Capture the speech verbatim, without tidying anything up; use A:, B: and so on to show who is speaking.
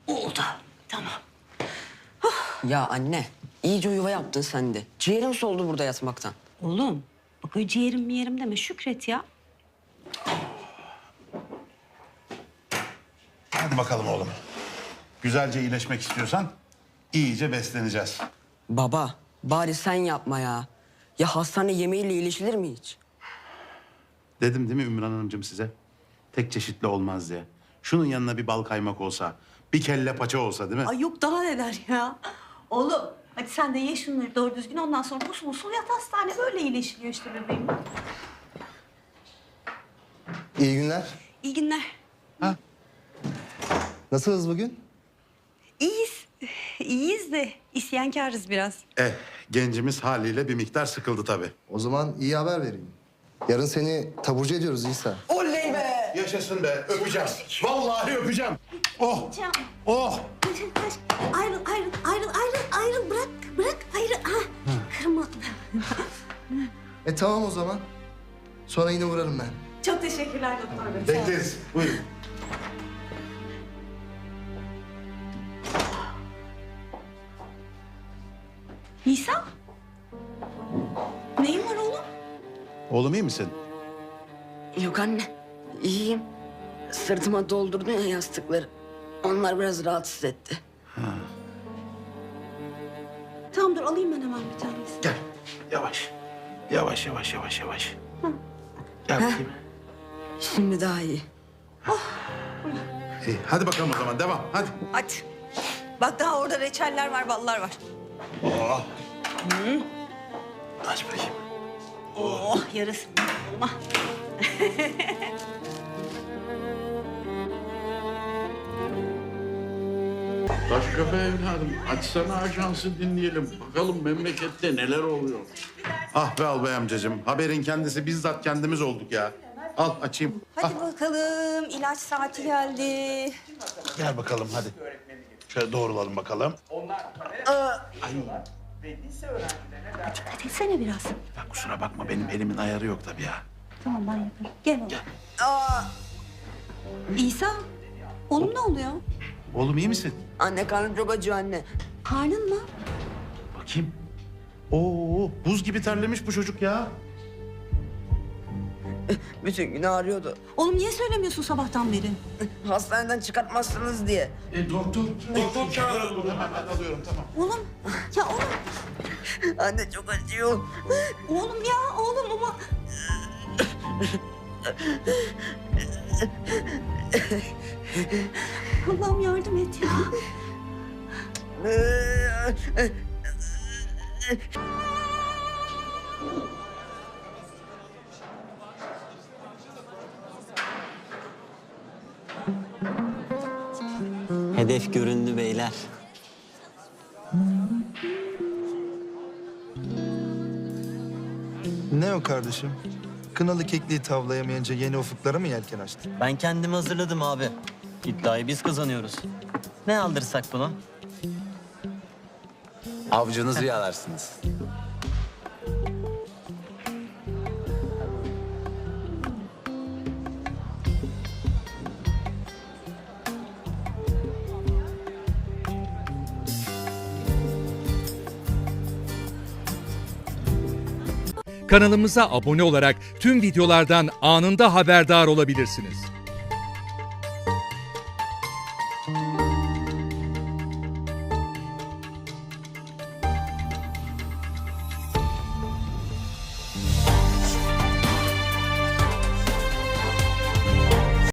A: Oldu. Tamam.
B: Ya anne, iyice yuva yaptın sen de. Ciğerim soldu burada yatmaktan.
A: Oğlum bak öyle ciğerim mi yerim deme Şükret ya.
C: Hadi bakalım oğlum. Güzelce iyileşmek istiyorsan iyice besleneceğiz.
B: Baba, bari sen yapma ya. Ya hastane yemeğiyle iyileşilir mi hiç?
C: Dedim değil mi Ümran Hanımcığım size? Tek çeşitli olmaz diye. Şunun yanına bir bal kaymak olsa, bir kelle paça olsa değil mi?
A: Ay yok daha neler ya. Oğlum hadi sen de ye şunları doğru düzgün ondan sonra usul usul yat hastane böyle iyileşiliyor işte bebeğim.
D: İyi günler.
A: İyi günler.
D: Nasılsınız bugün?
A: İyiyiz. İyiyiz de isyankarız biraz.
C: Eh, gencimiz haliyle bir miktar sıkıldı tabii.
D: O zaman iyi haber vereyim. Yarın seni taburcu ediyoruz İsa.
B: Oley be!
C: Yaşasın be, öpeceğim. Vallahi öpeceğim. Oh,
A: Can.
C: oh.
A: Ayrıl, ayrıl, ayrıl, ayrıl, ayrıl. Bırak, bırak, ayrıl. Ha, kırma.
D: E tamam o zaman. Sonra yine uğrarım ben.
A: Çok teşekkürler doktor bey.
C: Bekleriz. Buyurun.
A: Nisa? Neyin var oğlum?
C: Oğlum iyi misin?
B: Yok anne, iyiyim. Sırtıma doldurdun ya yastıkları. Onlar biraz rahatsız etti.
A: Tamam dur alayım ben hemen bir tanesini.
C: Gel. Yavaş. Yavaş, yavaş, yavaş, yavaş. Gel bakayım.
B: Şimdi daha iyi.
C: İyi, hadi bakalım o zaman, devam. Hadi.
A: Hadi. Bak daha orada reçeller var, ballar var.
C: Oh. Aç bakayım.
A: Oh yarısı. Olma.
E: Taşköprü evladım, açsana ajansı dinleyelim. Bakalım memlekette neler oluyor.
C: Ah be albay amcacığım, haberin kendisi bizzat kendimiz olduk ya. Al açayım.
A: Hadi bakalım ilaç saati geldi.
C: Gel bakalım hadi. Şöyle doğrulalım bakalım.
A: Dikkat etsene biraz.
C: Ya kusura bakma benim elimin ayarı yok tabii ya.
A: Tamam ben yaparım. Gel oğlum. İsa, oğlum ne oluyor?
C: Oğlum iyi misin?
B: Anne karnım çok acıyor anne.
A: Karnın mı?
C: Bakayım. Oo, buz gibi terlemiş bu çocuk ya.
B: Bütün gün ağrıyordu.
A: Oğlum niye söylemiyorsun sabahtan beri?
B: Hastaneden çıkartmazsınız diye.
E: E doktor, doktor çağıralım.
C: Hemen ben alıyorum tamam.
A: Oğlum, ya oğlum,
B: Anne çok acıyor.
A: oğlum ya oğlum ama... Allah'ım yardım et ya.
F: Hedef göründü beyler.
G: Ne o kardeşim? Kınalı kekliği tavlayamayınca yeni ufuklara mı yelken açtın?
F: Ben kendimi hazırladım abi. İddiayı biz kazanıyoruz. Ne aldırsak bunu?
H: Avcınızı yalarsınız.
I: Kanalımıza abone olarak tüm videolardan anında haberdar olabilirsiniz.